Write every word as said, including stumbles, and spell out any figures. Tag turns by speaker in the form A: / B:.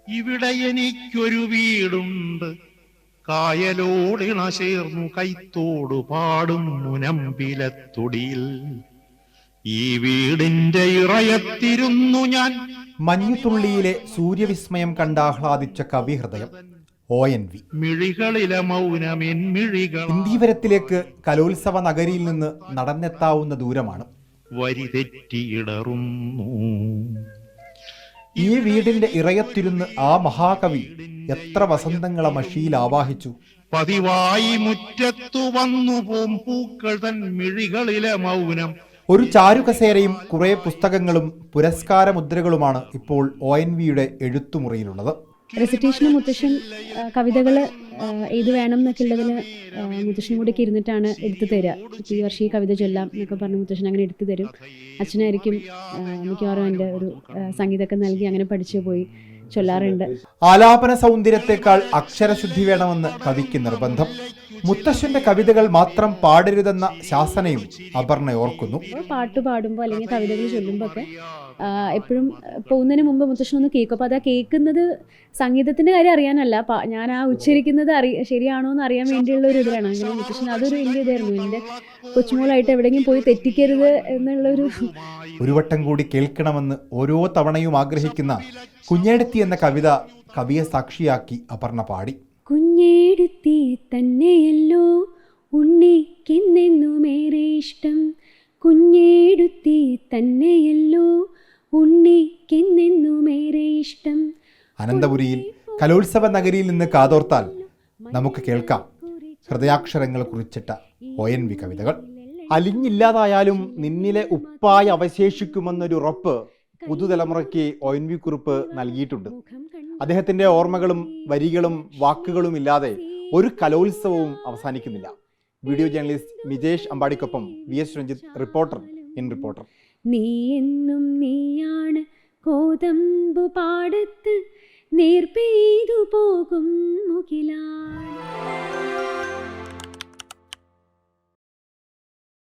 A: ഇവിടെ എനിക്കൊരു വീടുണ്ട്, കായലോടിണ ചേർന്നു കൈത്തോടു പാടും മുനമ്പിലത്തൊടിയിൽ. ഈ വീടിന്റെ ഇറയത്തിരുന്നു ഞാൻ.
B: മഞ്ഞുതുള്ളിയിലെ സൂര്യവിസ്മയം കണ്ടാഹ്ലാദിച്ച കവിഹൃദയം ഒ എൻ വി.
A: മിഴികളിലെ മൗനമെൻ മിഴികൾ.
B: ഇന്ദീവരത്തിലേക്ക് കലോത്സവ നഗരിയിൽ നിന്ന് നടന്നെത്താവുന്ന ദൂരമാണ്.
A: വരി തെറ്റിയിടറുന്നു.
B: ഈ വീടിന്റെ ഇറയത്തിരുന്ന് ആ മഹാകവി എത്ര വസന്തങ്ങളെ മഷിയിൽ ആവാഹിച്ചു.
A: പതിവായി മുറ്റത്തു വന്നു പോം പൂക്കൾ തൻ മിഴികളിലെ മൗനം.
B: ഒരു ചാരുകസേരയും കുറെ പുസ്തകങ്ങളും പുരസ്കാര മുദ്രകളുമാണ് ഇപ്പോൾ ഒ എൻ വിയുടെ എഴുത്തുമുറിയിലുള്ളത്.
C: റെസിറ്റേഷന് മുത്തശ്ശൻ കവിതകൾ ഏത് വേണം എന്നൊക്കെ ഉള്ളതിൽ മുത്തശ്ശനും കൂടി ഒക്കെ ഇരുന്നിട്ടാണ് എടുത്തു തരിക. ഈ വർഷം ഈ കവിത ചൊല്ലാം എന്നൊക്കെ പറഞ്ഞ് മുത്തശ്ശൻ അങ്ങനെ എടുത്തു തരും. അച്ഛനായിരിക്കും മിക്കവാറും എൻ്റെ ഒരു സംഗീതമൊക്കെ നൽകി അങ്ങനെ പഠിച്ചു പോയി ചൊല്ലാറുണ്ട്.
B: ആലാപന സൗന്ദര്യത്തെക്കാൾ അക്ഷരശുദ്ധി വേണമെന്ന് കവിക്ക് നിർബന്ധം. മുത്തശ്ശന്റെ കവിതകൾ മാത്രം പാടരുതെന്ന ശാസനയും അപർണ ഓർക്കുന്നു.
C: പാട്ട് പാടുമ്പോൾ അല്ലെങ്കിൽ കവിതകൾ ചൊല്ലുമ്പോൾ ഒക്കെ എപ്പോഴും പോകുന്നതിന് മുമ്പ് മുത്തശ്ശനൊന്ന് കേൾക്കും. അപ്പോൾ അത് ആ കേൾക്കുന്നത് സംഗീതത്തിൻ്റെ കാര്യം അറിയാനല്ല, ഞാൻ ആ ഉച്ചരിക്കുന്നത് അറി ശരിയാണോ എന്ന് അറിയാൻ വേണ്ടിയുള്ള ഒരു ഇതിലാണ്. അങ്ങനെ മുത്തശ്ശൻ അതൊരു വലിയ ഇതായിരുന്നു. എൻ്റെ കൊച്ചുമോളായിട്ട് എവിടെയെങ്കിലും പോയി തെറ്റിക്കരുത് എന്നുള്ളൊരു.
B: ഒരു വട്ടം കൂടി കേൾക്കണമെന്ന് ഓരോ തവണയും ആഗ്രഹിക്കുന്ന കുഞ്ഞേടത്തി എന്ന കവിത കവിയെ സാക്ഷിയാക്കി അപർണ പാടി.
C: കുഞ്ഞേടത്തി തന്നെയല്ലോ ഉണ്ണിക്കെന്നെന്നുമേറെ ഇഷ്ടം, കുഞ്ഞേടത്തി തന്നെയല്ലോ ഉണ്ണിക്കെന്നെന്നുമേറെ ഇഷ്ടം.
B: അനന്തപുരിയിൽ കലോത്സവ നഗരിയിൽ നിന്ന് കാതോർത്താൽ നമുക്ക് കേൾക്കാം ഹൃദയാക്ഷരങ്ങൾ കുറിച്ചിട്ട ഒ എൻ വി കവിതകൾ. അലിഞ്ഞില്ലാതായാലും നിന്നിലെ ഉപ്പായി അവശേഷിക്കുമെന്നൊരു ഉറപ്പ് പുതുതലമുറയ്ക്ക് ഒ എൻ വി കുറിപ്പ് നൽകിയിട്ടുണ്ട്. അദ്ദേഹത്തിന്റെ ഓർമ്മകളും വരികളും വാക്കുകളും ഇല്ലാതെ ഒരു കലോത്സവവും അവസാനിക്കുന്നില്ല. വീഡിയോ ജേർണലിസ്റ്റ് മിജേഷ് അമ്പാടിക്കൊപ്പം V S Ranjith, reporter in Reporter.
C: നീ എന്നും നീയാണ് കോതമ്പു പാടത്ത് നേർപ്പെയ്തു പോകും